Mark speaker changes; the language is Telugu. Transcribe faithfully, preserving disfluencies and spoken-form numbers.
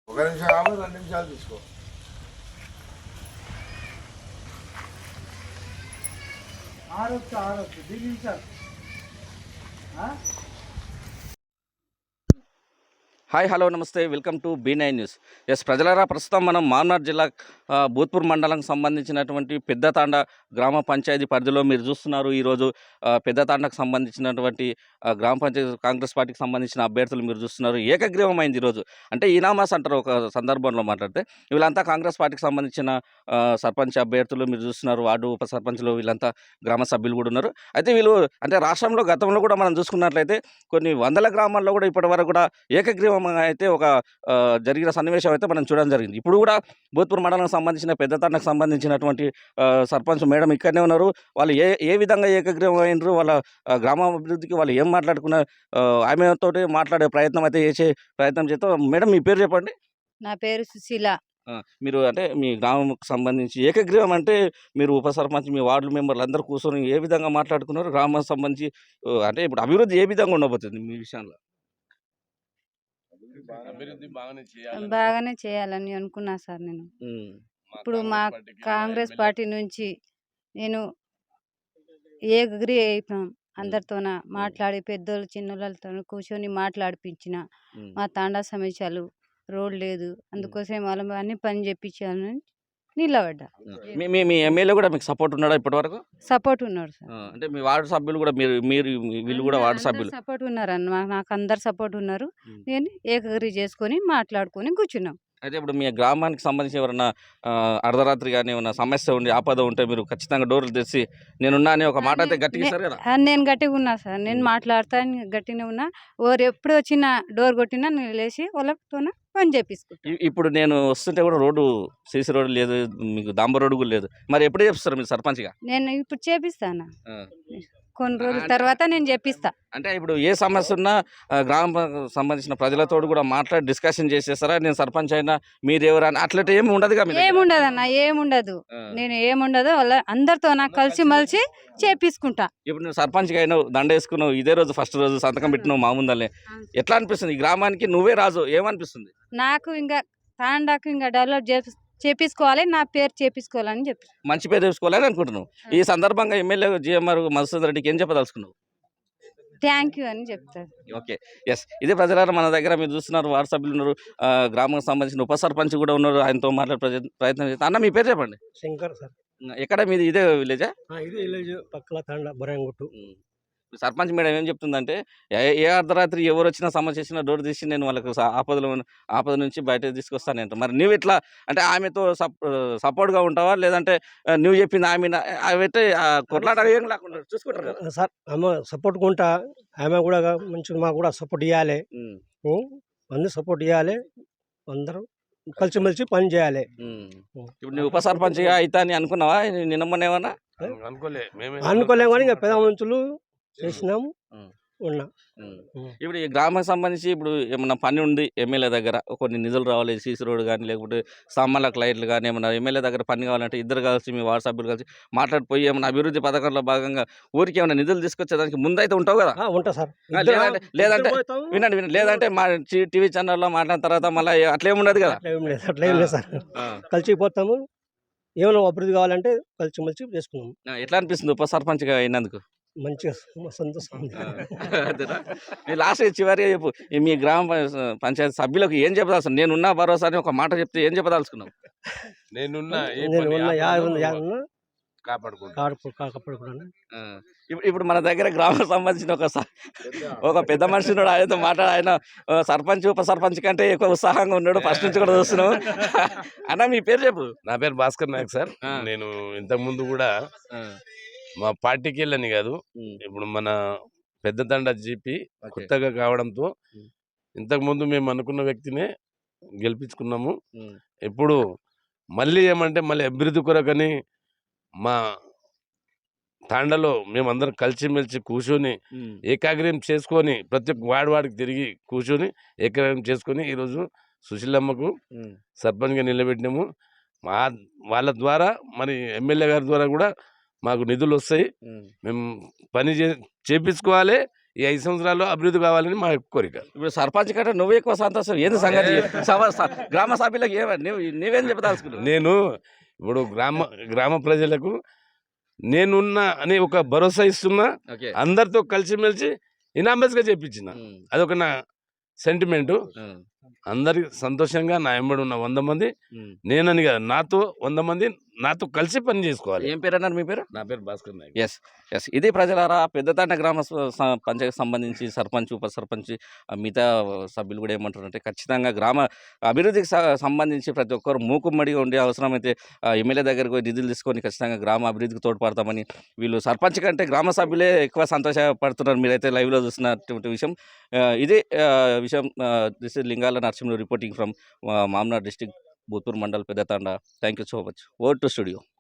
Speaker 1: ఒక నిమిషం ఆగు, రెండు నిమిషాలు తీసుకో.
Speaker 2: ఆడొచ్చు ఆడొచ్చు దిగించారు.
Speaker 3: Hi hello namaste, welcome to B nine news. Yes ప్రజలారా, ప్రస్తుతం మనం మామనార్ జిల్లా ఆ, భూత్పూర్ మండలంకి సంబంధించినటువంటి పెద్దతాండ గ్రామ పంచాయతీ పరిధిలో మీరు చూస్తున్నారు. ఈరోజు ఆ, పెద్దతాండకు సంబంధించినటువంటి ఆ, గ్రామ పంచాయతీ కాంగ్రెస్ పార్టీకి సంబంధించిన అభ్యర్థులు మీరు చూస్తున్నారు. ఏకగ్రీవమైంది ఈరోజు. అంటే ఈనామాస్ అంటారు ఒక సందర్భంలో మాట్లాడితే. వీళ్ళంతా కాంగ్రెస్ పార్టీకి సంబంధించిన ఆ, సర్పంచ్ అభ్యర్థులు మీరు చూస్తున్నారు. వార్డు ఉప సర్పంచ్లు వీళ్ళంతా గ్రామ సభ్యులు కూడా ఉన్నారు. అయితే వీళ్ళు అంటే రాష్ట్రంలో గతంలో కూడా మనం చూసుకున్నట్లయితే కొన్ని వందల గ్రామాల్లో కూడా ఇప్పటి వరకు కూడా ఏకగ్రీవం అయితే ఒక ఆ, జరిగిన సన్నివేశం అయితే మనం చూడడం జరిగింది. ఇప్పుడు కూడా భూత్పూర్ మండలానికి సంబంధించిన పెద్దతాండకు సంబంధించినటువంటి ఆ, సర్పంచ్ మేడం ఇక్కడనే ఉన్నారు. వాళ్ళు ఏ ఏ విధంగా ఏకగ్రీవం అయినరు, వాళ్ళ ఆ, గ్రామాభివృద్ధికి వాళ్ళు ఏం మాట్లాడుకున్న ఆమెతో మాట్లాడే ప్రయత్నం అయితే చేసే ప్రయత్నం చేస్తాం. మేడం మీ పేరు చెప్పండి.
Speaker 4: నా పేరు సుశీల.
Speaker 3: ఆ, మీరు అంటే మీ గ్రామంకు సంబంధించి ఏకగ్రీవం అంటే మీరు ఉప సర్పంచ్ మీ వార్డు మెంబర్లు అందరూ కూర్చొని ఏ విధంగా మాట్లాడుకున్నారు, గ్రామానికి సంబంధించి ఆ, అంటే ఇప్పుడు అభివృద్ధి ఏ విధంగా ఉండబోతుంది మీ విషయంలో?
Speaker 1: అభివృద్ధి బాగానే చేయాలి.
Speaker 4: బాగానే చేయాలని అనుకున్నా సార్ నేను.
Speaker 3: ఉమ్,
Speaker 4: ఇప్పుడు మా కాంగ్రెస్ పార్టీ నుంచి నేను ఏకగ్రీ అయిపోయాం. అందరితోన మాట్లాడి పెద్దోళ్ళు చిన్నోళ్ళతో కూర్చొని మాట్లాడిపించిన.
Speaker 3: ఉమ్,
Speaker 4: మా తాండా సమస్యలు, రోడ్ లేదు, అందుకోసం వాళ్ళ అన్ని పని చేపించాలని నిలబడ్డా.
Speaker 3: మీ మీ మీ ఎమ్మెల్యే కూడా మీకు సపోర్ట్ ఉన్నాడా ఇప్పటి వరకు?
Speaker 4: సపోర్ట్ ఉన్నారు సార్.
Speaker 3: ఆ, అంటే మీ వార్డు సభ్యులు కూడా మీరు మీరు వీళ్ళు కూడా వార్డు సభ్యులు?
Speaker 4: సపోర్ట్ ఉన్నారు అన్న, నాకు అందరు సపోర్ట్ ఉన్నారు.
Speaker 3: ఉమ్.
Speaker 4: నేను ఏకగ్రీ చేసుకొని మాట్లాడుకొని కూర్చున్నాం.
Speaker 3: అయితే ఇప్పుడు మీ గ్రామానికి సంబంధించి ఎవరైనా ఆ, అర్ధరాత్రి కానీ ఏమైనా సమస్య ఉండి ఆపద ఉంటే మీరు ఖచ్చితంగా డోర్లు తెచ్చి నేనున్నా అని ఒక మాట అయితే గట్టిగా ఇస్తారు కదా?
Speaker 4: ఆ, నేను గట్టిగా ఉన్నా సార్. నేను మాట్లాడతాను, గట్టిగా ఉన్నా. ఓరు ఎప్పుడు వచ్చినా డోర్ కొట్టినా నేను లేచి వాళ్ళతో పని చేపించుకుంటా.
Speaker 3: ఇ- ఇప్పుడు నేను వస్తుంటే కూడా రోడ్డు సీసీ రోడ్డు లేదు, మీకు డాంబర్ రోడ్డు కూడా లేదు. మరి ఎప్పుడు చేపిస్తారు మీరు సర్పంచ్గా?
Speaker 4: నేను ఇప్పుడు చేపిస్తాను.
Speaker 3: ఆ.
Speaker 4: కొన్ని రోజుల
Speaker 3: అంటే-
Speaker 4: తర్వాత నేను చేపిస్తా.
Speaker 3: అంటే ఇప్పుడు ఏ సమస్య ఉన్నా ఆ, గ్రామ సంబంధించిన ప్రజలతో కూడా మాట్లాడి డిస్కషన్ చేసేస్తారా? నేను సర్పంచ్ అయినా మీరెవరు అని అట్లా ఏమి ఉండదుగా మీ దగ్గర?
Speaker 4: ఏముండదు అన్న, ఏముండదు.
Speaker 3: ఆ.
Speaker 4: నేను ఏముండదు వాళ్ళ అందరితో నాకు కలిసి మలిసి చేపించుకుంటా.
Speaker 3: ఇప్పుడు నువ్వు సర్పంచ్గా అయినావు, దండ వేసుకున్నావు, ఇదే రోజు ఫస్ట్ రోజు సంతకం పెట్టినావు మా ముందలే. ఎట్లా అనిపిస్తుంది? ఈ గ్రామానికి నువ్వే రాజు, ఏమనిపిస్తుంది?
Speaker 4: నాకు ఇంకా తాండాకు ఇంకా డెవలప్ చేపి చేపించుకోవాలి, నా పేరు చేపించుకోవాలని చెప్పి
Speaker 3: మంచి పేరు తెచ్చుకోవాలని అనుకుంటున్నావు. ఈ సందర్భంగా ఎమ్మెల్యే జిఎంఆర్ మధుసూదన్ రెడ్డికి ఏం చెప్పదలుచుకున్నావు?
Speaker 4: థ్యాంక్ యూ అని చెప్తారు.
Speaker 3: Okay, yes. ఇదే ప్రజలారా, మన దగ్గర మీరు చూస్తున్నారు వార్డు సభ్యులు ఉన్నారు, ఆ, గ్రామానికి సంబంధించిన ఉప సర్పంచ్ కూడా ఉన్నారు. ఆయనతో మాట్లాడే ప్రయ- ప్రయత్నం చేస్తాను. అన్న మీ పేరు చెప్పండి.
Speaker 2: శంకర్ సార్.
Speaker 3: ఎక్కడ మీది? ఇదే విలేజా?
Speaker 2: ఆ, ఇది విలేజ్ పక్కల తండ బొరంగుట్టు.
Speaker 3: సర్పంచ్ మేడం ఏం చెప్తుందంటే ఏ ఏ అర్ధరాత్రి ఎవరు వచ్చినా సమస్య వచ్చినా డోర్ తీసి నేను వాళ్ళకు స- ఆపదలో ఉన్న- ఆపద నుంచి బయట తీసుకొస్తానంట. మరి నువ్వు ఎట్లా అంటే ఆమెతో సప్ సపోర్ట్గా ఉంటావా, లేదంటే ఆ, నువ్వు చెప్పింది ఆమె అవి అయితే కొట్లాట ఏం లేకుండా చూసుకుంటారు కదా?
Speaker 2: ఆ, సార్ ఆమె సపోర్ట్ కొంటా, ఆమె కూడా మంచిగా మాకు కూడా సపోర్ట్ ఇవ్వాలి.
Speaker 3: ఉమ్,
Speaker 2: అందరూ సపోర్ట్ ఇవ్వాలి, అందరూ కలిసిమెలిసి పని చేయాలి.
Speaker 3: ఉమ్. ఇప్పుడు నువ్వు ఉప సర్పంచ్గా అవుతా అని అనుకున్నావా నిన్న మొన్న ఏమన్నా?
Speaker 1: అనుకోలే మేమే
Speaker 2: అనుకోలేము కానీ ఇంకా పెద్ద మనుషులు చేసినాము
Speaker 3: ఉమ్.
Speaker 2: ఉన్నా.
Speaker 3: ఉమ్.
Speaker 2: ఉమ్.
Speaker 3: ఇప్పుడు ఈ గ్రామానికి సంబంధించి ఇప్పుడు ఏమన్నా పని ఉంది ఎమ్మెల్యే దగ్గర, కొన్ని నిధులు రావాలి, సీసీ రోడ్ కానీ లేకపోతే స్తంభాలకు లైట్లు కానీ ఏమన్నా ఎమ్మెల్యే దగ్గర పని కావాలంటే ఇద్దరు కలిసి మీ వార్డు సభ్యులు కలిసి మాట్లాడిపోయి ఏమన్నా అభివృద్ధి పథకంలో భాగంగా ఊరికి ఏమైనా నిధులు తీసుకొచ్చేదానికి ముందైతే ఉంటావు కదా?
Speaker 2: ఆ, ఉంటా సార్.
Speaker 3: ఆ, లేదంటే లేదంటే వినండి వినండి లేదంటే మా టీవీ ఛానల్లో మాట్లాడిన తర్వాత మళ్ళీ అట్లేం ఉండదు కదా?
Speaker 2: అట్లా ఏం లేదు, అట్లా ఏం లేదు సార్.
Speaker 3: ఆ.
Speaker 2: కలిసిపోతాము, ఏమైనా అభివృద్ధి కావాలంటే కలిసిమెలిసి చేసుకున్నాము.
Speaker 3: ఆ, ఎట్లా అనిపిస్తుంది ఉప సర్పంచ్గా అయినందుకు?
Speaker 2: మంచిగా సంతోషం ఉంది.
Speaker 3: అంతేనా? మీ లాస్ట్ చివరిగా చెప్పు, ఈ మీ గ్రామ ప- పంచాయతీ సభ్యులకు ఏం చెప్పదలుచుకున్నావు? నేనున్నా భరోసా అని ఒక మాట చెప్తే ఏం చెప్పదలుచుకున్నావు?
Speaker 1: నేనున్నా ఏ
Speaker 2: నేను
Speaker 1: పని
Speaker 2: ఉన్నా, యా
Speaker 1: ఆపదలో
Speaker 2: ఉన్నా, యా ఉన్నా,
Speaker 1: కాపాడుకుంటా.
Speaker 2: కాడు కాకపోతే కూడా
Speaker 3: ఆ, ఇప్పుడు ఇప్పుడు మన దగ్గర గ్రామం సంబంధించిన ఒక స- ఒక పెద్ద మనిషి ఉన్నాడు. ఆయనతో మాట్లాడు. ఆయన ఆ, సర్పంచ్ ఉప సర్పంచ్ కంటే ఎక్కువ ఉత్సాహంగా ఉన్నాడు. ఫస్ట్ నుంచి కూడా చూస్తున్నావు. అన్న మీ పేరు చెప్పు.
Speaker 1: నా పేరు భాస్కర్ నాయక్ సార్.
Speaker 3: ఆ.
Speaker 1: నేను ఇంతకు ముందు కూడా
Speaker 3: ఆ,
Speaker 1: మా పార్టీకి వెళ్ళని కాదు,
Speaker 3: ఉమ్,
Speaker 1: ఇప్పుడు మన పెద్ద తండ జీపీ
Speaker 3: ఓకే.
Speaker 1: కొత్తగా కావడంతో
Speaker 3: ఉమ్.
Speaker 1: ఇంతకు ముందు మేము అనుకున్న వ్యక్తినే గెలిపించుకున్నాము.
Speaker 3: ఉమ్,
Speaker 1: ఇప్పుడు మళ్ళీ ఏమంటే మళ్ళీ అభివృద్ధి కొరకని మా తాండలో మేమందరం కలిసిమెలిసి కూర్చొని
Speaker 3: ఉమ్,
Speaker 1: ఏకాగ్రయం చేసుకొని ప్రతి ఒక్క వాడి వాడికి తిరిగి కూర్చొని ఏకాగ్రయం చేసుకొని ఈరోజు సుశీలమ్మకు
Speaker 3: ఉమ్,
Speaker 1: సర్పంచ్గా నిలబెట్టినాము. మా వాళ్ళ ద్వారా మరి ఎమ్మెల్యే గారి ద్వారా కూడా మాకు నిధులు వస్తాయి.
Speaker 3: ఉమ్.
Speaker 1: మేము పని చే చేపించుకోవాలి, ఈ ఐదు సంవత్సరాల్లో అభివృద్ధి కావాలని మా కోరిక.
Speaker 3: ఇప్పుడు సర్పంచ్ కంటే నువ్వు ఎక్కువ సంతోషం ఏంది సంగతి సభ- స- గ్రామ సభ్యులకు ఏమ నువ్వు నువ్వేం చెప్పదలుచుకున్నావు?
Speaker 1: నేను ఇప్పుడు గ్రామ గ్రామ ప్రజలకు నేనున్న అని ఒక భరోసా ఇస్తున్నా,
Speaker 3: ఓకే.
Speaker 1: అందరితో కలిసిమెలిసి ఇనామస్గా చెప్పించిన.
Speaker 3: ఉమ్,
Speaker 1: అదొక నా సెంటిమెంటు.
Speaker 3: ఉమ్,
Speaker 1: అందరికి సంతోషంగా నా ఎంబడి ఉన్న వంద మంది
Speaker 3: ఉమ్.
Speaker 1: నేనని కాదు, నాతో వంద మంది నాతో కలిసి పని చేసుకోవాలి.
Speaker 3: ఏం పేరు అన్నారు మీ పేరు?
Speaker 1: నా పేరు భాస్కర్ నాయక్.
Speaker 3: ఎస్ ఎస్ ఇది ప్రజలారా పెద్దతాండ గ్రామ స- స- పంచాయతీకి సంబంధించి సర్పంచ్ ఉప సర్పంచ్ ఆ మిగతా సభ్యులు కూడా ఏమంటారంటే ఖచ్చితంగా గ్రామ అభివృద్ధికి స- సంబంధించి ప్రతి ఒక్కరు మూకుమ్మడిగా ఉండే అవసరమైతే ఆ, ఎమ్మెల్యే దగ్గరకు పోయి నిధులు తీసుకొని ఖచ్చితంగా గ్రామ అభివృద్ధికి తోడ్పడతామని వీళ్ళు సర్పంచ్ కంటే గ్రామ సభ్యులే ఎక్కువ సంతోషపడుతున్నారు. మీరైతే లైవ్లో చూస్తున్నటువంటి విషయం ఆ, ఇదే ఆ, విషయం. This is Lingala Narasimhulu reporting from Mamnad district Bhoothpur mandal Peddathanda. Thank you so much. Over to studio.